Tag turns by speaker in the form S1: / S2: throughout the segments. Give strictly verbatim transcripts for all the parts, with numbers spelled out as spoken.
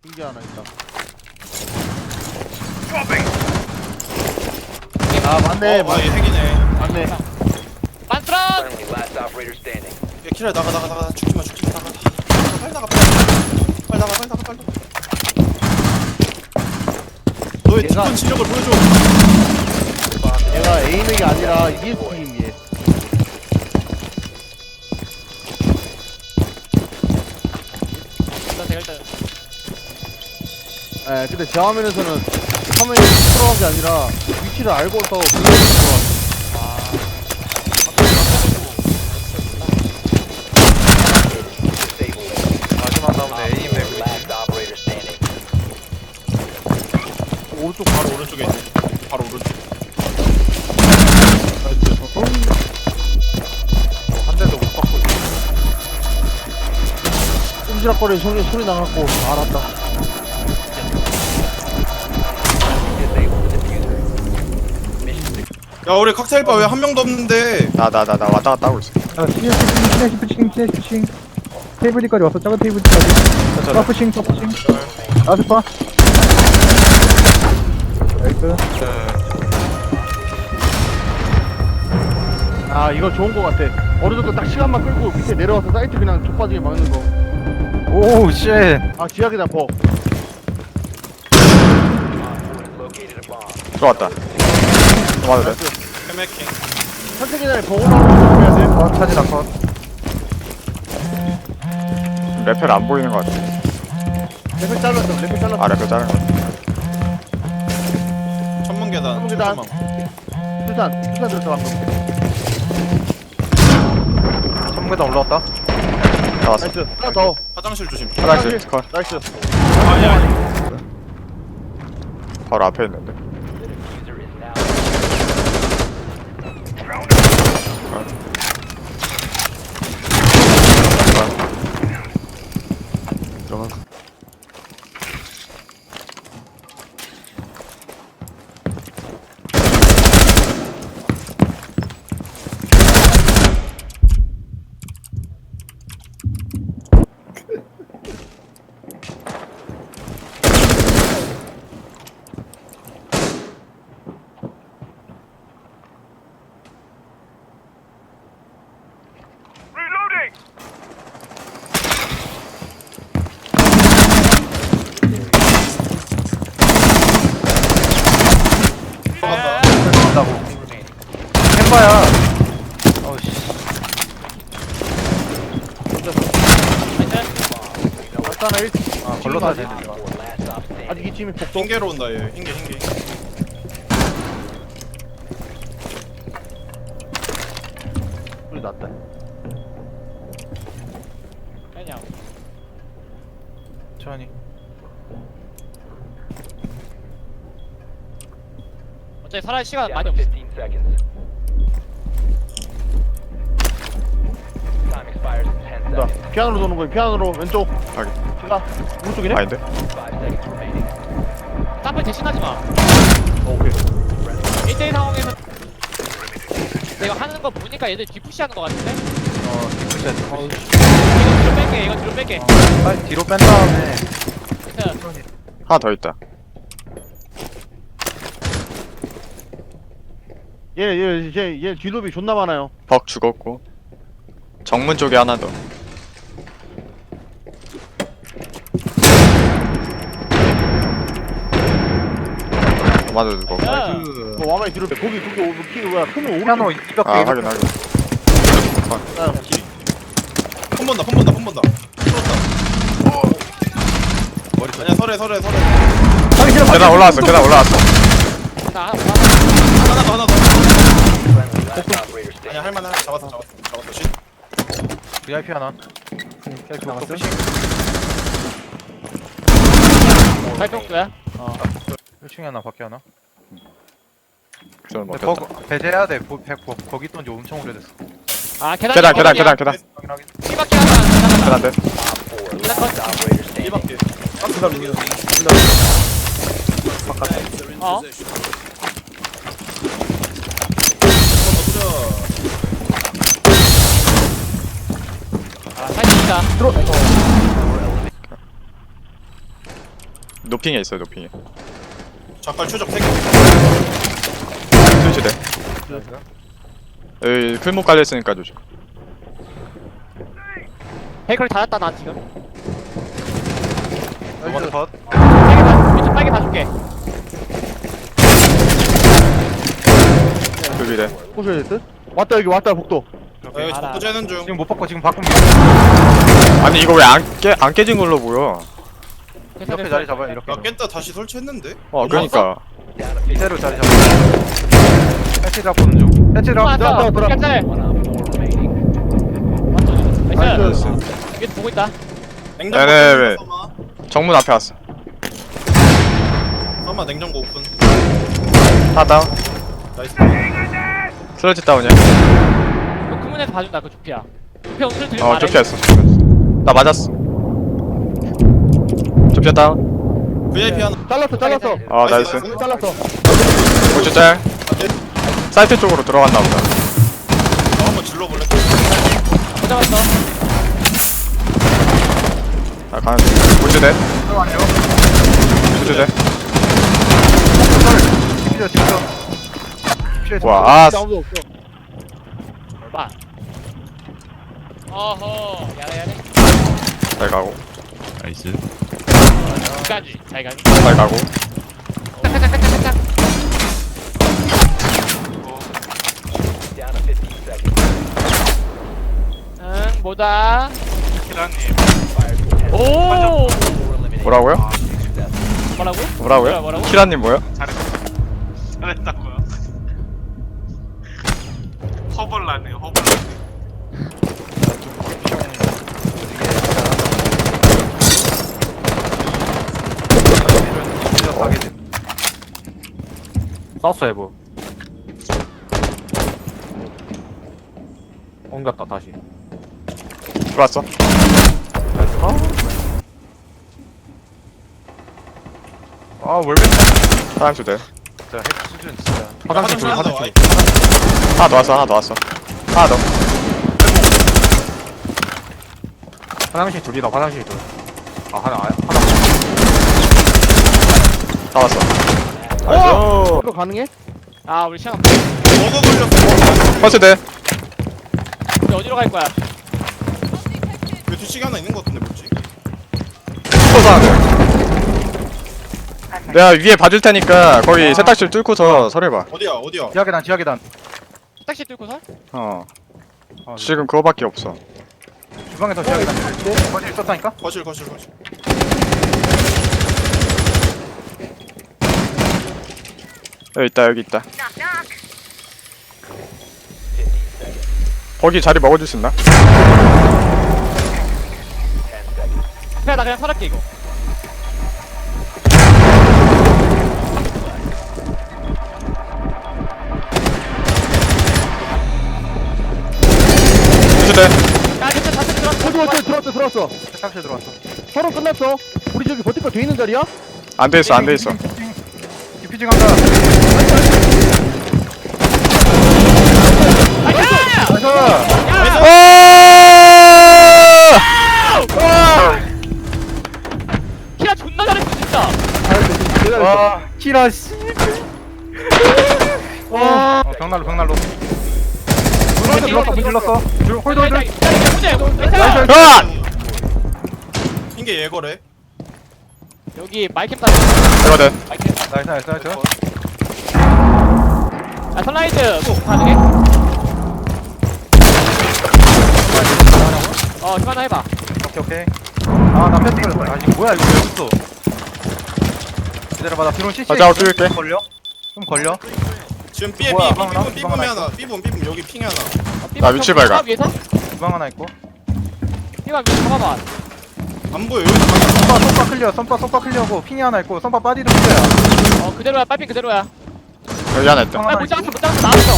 S1: 흰게 하나 있다. 아 맞네.
S2: 어, 아,
S1: 맞,
S2: 얘 핵이네.
S1: 맞네.
S3: 만트라!
S4: Friendly, last operator standing.
S2: 야, 키라 나가 나가 나가 죽지마 죽지마 나가. 빨리 나가 빨리 나가 빨리 나가 빨리 나가 빨리. 너의
S1: 얘가-
S2: 뒷건 실력을 보여줘.
S1: 얘가 에이맥이 아니라 이에스팀 얘.
S3: 일단 제가 일단
S1: 예, 근데 제 화면에서는 화면이 들어간 게 아니라 위치를 알고서 그걸 들어갔어.
S5: 마지막 나오네 에임 맵
S4: Last operator standing.
S1: 오른쪽 바로
S2: 바로 오른쪽에 있네. 바로 오른쪽.
S5: 한 대도 못 받고 있어.
S1: 꼼지락거리는 소리, 소리 나갖고 알았다.
S4: Disable the diffuser. Mission
S2: 야 우리 칵테일바 왜 한 명도 없는데?
S5: 나 나 나 나 왔다 갔다 하고 있어.
S6: 아, 시내 시내 푸싱 시내 푸싱 테이블리까지 왔어. 작은 테이블리까지. 파 푸싱 파 푸싱. 아스파. 나이스.
S1: 아, 이거 좋은 거 같아. 어느 정도 딱 시간만 끌고 밑에 내려와서 사이트 그냥 족빠지게 막는 거.
S5: 오우 쉣.
S1: 아, 지하계단 버.
S4: located a bomb.
S5: 들어왔다. 들어와도 돼.
S2: 헤메킹.
S1: 선택계단에 버거 나오는 거 해야 돼.
S5: 어 차지 나컷. 레펠 안 보이는 것 같아.
S1: 레벨 잘랐어, 레벨 잘랐어.
S5: 아 레펠 자른 거.
S2: 천문 계단.
S1: 천문 계단.
S2: 천문.
S1: 수산, 수산 들었어, 방금.
S5: 천문계단 올라왔다. 나왔어.
S1: 나이스. 하나 더.
S2: 화장실 조심.
S5: 화장실 컷.
S1: 나이스.
S2: 아니야.
S5: 바로 앞에 있는데.
S4: The diffuser is now.
S5: 들어가.
S2: 들어간다.
S5: 들어간다고. 햄바야. 어우씨.
S1: 아까나 일.
S5: 아 걸로 타야 되는
S4: Op
S5: 거.
S4: four, last stop standing.
S1: 아직 이 팀이 복도.
S2: 흰개로 온다 얘. 흰개 흰개.
S1: 소리 났다.
S3: 그냥
S5: 천천히.
S3: 어차피 살아야 시간
S4: Down
S3: 많이
S4: to
S3: 없어.
S4: fifteen seconds. Time expires in ten
S1: 자,
S4: seconds.
S1: 피아노로 도는 거야. 피아노로 왼쪽.
S5: 확인.
S1: 제가 오른쪽이네.
S5: 아닌데?
S4: Five seconds remaining.
S3: 땀을 대신하지 마.
S1: 어, 오케이.
S3: 일 대일 상황에서 내가 하는 거 보니까 얘들 뒤푸시하는 거 같은데?
S5: 어 디프셋.
S3: 이거 뒤로 뺄게, 이거 뒤로 뺄게.
S5: 빨리 뒤로 뺀 다음에
S3: 자,
S5: 하나 더 있다.
S1: 얘, 얘, 얘, 얘 뒤도비 존나 많아요.
S5: 벅 죽었고. 정문 쪽에 하나 더. 맞아 죽었고.
S3: 야.
S1: 그 와마이 뒤로 빼. 거기, 거기, 오- 키, 뭐야, 크면 오른쪽.
S6: 피아노 이백
S5: 아
S6: 개.
S5: 확인 확인.
S1: 아,
S2: 폰 본다 폰 본다 폰 본다. 풀었다. 머리. 아니야 설해 설해 설해.
S5: 계단 올라왔어. 계단 올라왔어.
S3: 자,
S2: 하나 더 하나 더.
S4: Friendly, last operator standing.
S2: 아니야 할만해. 잡았어 잡았어 잡았어. 쉿.
S5: 브이아이피 하나.
S6: 이렇게 나갔어.
S3: 발동도야?
S5: 일 층에 하나 밖에 하나.
S7: 저는
S5: 근데
S7: 먹혔다.
S5: 거, 배제해야 돼. 보, 배, 거, 거기 있던 지 엄청 오래됐어.
S3: 아, 계단.
S5: 계단 계단 계단 계단.
S3: 이
S5: 확인 확인.
S3: 밖에 하나.
S5: 계단 돼.
S4: Op four, last operator standing.
S2: 이밖에. 아 그다음 리미는.
S3: 어? 아, 사이트 있다.
S7: 노핑에 있어요 노핑에.
S2: 작발 추적 세 개.
S7: 스위치대. 여기 클목 깔려있으니까 조심.
S3: 베이커리 닫았다 나 지금.
S5: 넘어서 컷.
S3: 빨개 봐. 왼쪽 빨개 봐줄게.
S7: 여기래.
S1: 보셔야 될 듯? 왔다 여기 왔다 복도.
S2: 아, 여기
S3: 알아.
S2: 복도 재는 중.
S5: 지금 못 바꿔 지금 바꾼
S7: 아니 이거 왜 안 깨 안 깨진 걸로 보여?
S5: 이렇게 자리 잡아요 이렇게.
S2: 나 깼다 다시 설치했는데.
S7: 어 그러니까.
S5: 이대로 자리 잡아. 해치 잡고는 중. 해치 잡.
S3: 왔어.
S1: 들어왔다, 들어왔다.
S3: 깜짝이야.
S4: One op four remaining.
S3: 왔어. 나이스.
S1: 나이스.
S3: 여기 보고 있다.
S2: 냉장고
S7: 네네,
S2: 오픈,
S7: 왜.
S2: 써마.
S7: 정문 앞에 왔어.
S2: 써마 냉장고 오픈.
S7: 다 다운.
S2: 나이스.
S7: 슬러지 다운이야.
S3: 그 문에서 봐준다 그 주피야. 주피 오늘 들리면
S7: 어
S3: 말해.
S7: 좁혔어. 나 맞았어. 좁혔 다운.
S2: 브이아이피 하나.
S1: 잘랐어 잘랐어.
S7: 어 나이스.
S1: 문 잘랐어.
S7: 고추 짤. 사이트 쪽으로 들어갔나 보다.
S2: 나 한번 질러볼래?
S3: 못 잡았어.
S7: 아 가는 중. 고추대. 고추대.
S5: 집이죠 집이죠.
S7: 와 아.
S1: 아무도 없어.
S3: 봐. 어허. 야래 야래.
S7: 잘 가고.
S8: 나이스.
S3: 끝까지. 잘 가니.
S7: 잘 가고.
S3: 짝짝짝짝짝짝.
S4: Down to fifteen seconds.
S3: 응 뭐다.
S8: 키라님.
S3: 오.
S4: Four eliminated.
S7: 뭐라고요?
S3: 뭐라고?
S7: 뭐라고요?
S3: 뭐라고?
S7: 키라님 뭐요?
S8: 잘했다고요. 허벌나네 허벌나.
S5: 사우스 해보. 옮겼다 다시.
S7: 들어왔어.
S5: 아 월백.
S7: 다음 주대.
S5: 진짜 핵 수준 진짜.
S2: 화장실 하나 더. 아이,
S7: 하나 더 왔어 하나 더 왔어. 하나 더.
S5: 화장실 둘이다 화장실 둘. 아 하나 아, 하나.
S7: 다 왔어. 나이스.
S1: 이거 가능해?
S3: 아 우리 시간
S2: 버거 걸렸어.
S7: 퍼스대.
S3: 우리 어디로 갈 거야?
S2: 왜 뒤치기 하나 있는 거 같은데 뭐지?
S7: 쏘사. 내가 위에 봐줄 테니까 거기 세탁실 뚫고서 설해봐.
S2: 어디야 어디야?
S5: 지하 계단 지하 계단.
S3: 택시 뚫고서?
S7: 어.
S5: 아,
S7: 지금 그거밖에 없어.
S5: 주방에서 지하 계단. 거실 있었다니까?
S2: 거실 거실 거실.
S7: 여기 있다 여기 있다. 거기 자리 먹어줄 수 있나?
S4: Ten seconds.
S3: 그래 나 그냥 설할게 이거.
S7: 수대.
S3: 야 진짜 다시 들어왔어.
S1: 들어왔어 들어왔어 들어왔어.
S5: 세탁실 들어왔어.
S1: 서로 끝났어. 우리 저기 버티컬 돼 있는 자리야?
S7: 안 돼 있어 안 돼 있어.
S5: 디퓨징 한다.
S3: 나이스!
S7: 아!
S3: 키라 존나 잘했어 진짜.
S1: 내가
S5: 와 키라 씨.
S3: 와.
S5: 어, 벽난로 벽난로. 문 질렀어 문 질렀어. 줄 홀드 홀드.
S3: 나이스.
S7: 아!
S2: 핑계 예거래.
S3: 여기 마이캠 따.
S7: 이거든.
S3: 마이캠.
S5: 나이스 나이스 나이스.
S3: 아 선라이즈 꼭 가능해? 어 이거 하나 해봐.
S5: 오케이 오케이. 아나 패스 걸렸다. 아 이거 뭐야 이거 왜 붙어? 기다려봐 나 드론 씨씨.
S7: 아, 자, 뚫을게.
S5: 걸려? 좀 걸려?
S2: 지금 B에 B
S5: 뭐야,
S2: B붐
S5: 하나?
S2: B붐
S5: 하나
S2: 하나. B붐 B붐 여기 핑 하나.
S7: 나 위치 발각.
S3: 위에서?
S5: 주방 하나 있고.
S3: 피가 위에 잡아봐.
S2: 안 보여 여기 다
S5: 선바 선바 클리어 선바 선바 클리어고 핑이 하나 있고 선바 빠디도 클리어야.
S3: 어 그대로야 빨핑 그대로야.
S7: 여기 하나 있다.
S3: 아못 잡았어 못 잡았어 나왔어.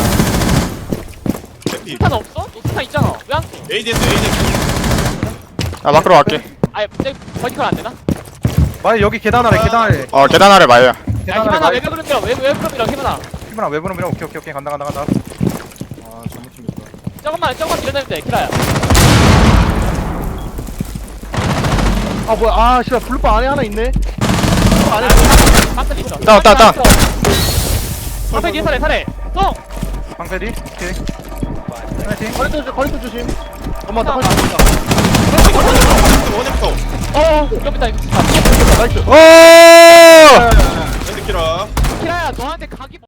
S2: 개피.
S3: 스탄 없어? 너 스탄 있잖아. 왜 안 써?
S2: 에이디에스 에이디에스.
S7: 아 밖으로 갈게.
S3: 아니 근데 버티컬 안 되나?
S5: 만약 여기 계단 아래 계단 아래
S7: 어 계단 아래 마이야.
S3: 야
S5: 계단 아래
S3: 희만아
S5: 마이-
S3: 외벽으로 밀어 외벽 외벽으로 밀어 희만아.
S5: 피부나 외부로 밀어. 오케이 오케이 오케이 간다 간다 간다. 아 잘못 챙겼다.
S3: 조금만 조금만 밀어내면 돼 키라야.
S1: 아 뭐야 아 씨발 블루바 안에 하나 있네. 블루바 안에
S3: 깜짝 있어.
S7: 다운, 다운, 다운.
S3: 앞에 뒤에 사례 사례. 똥.
S5: 방패디 오케이 파이팅
S1: 거리 또 거리 또 조심. 엄마 나 거리
S2: 원액터
S3: 어. 좀 이따 이거 진짜.
S1: 나이스.
S7: 오!
S2: 핸드키라
S3: 키라야 너한테 각이.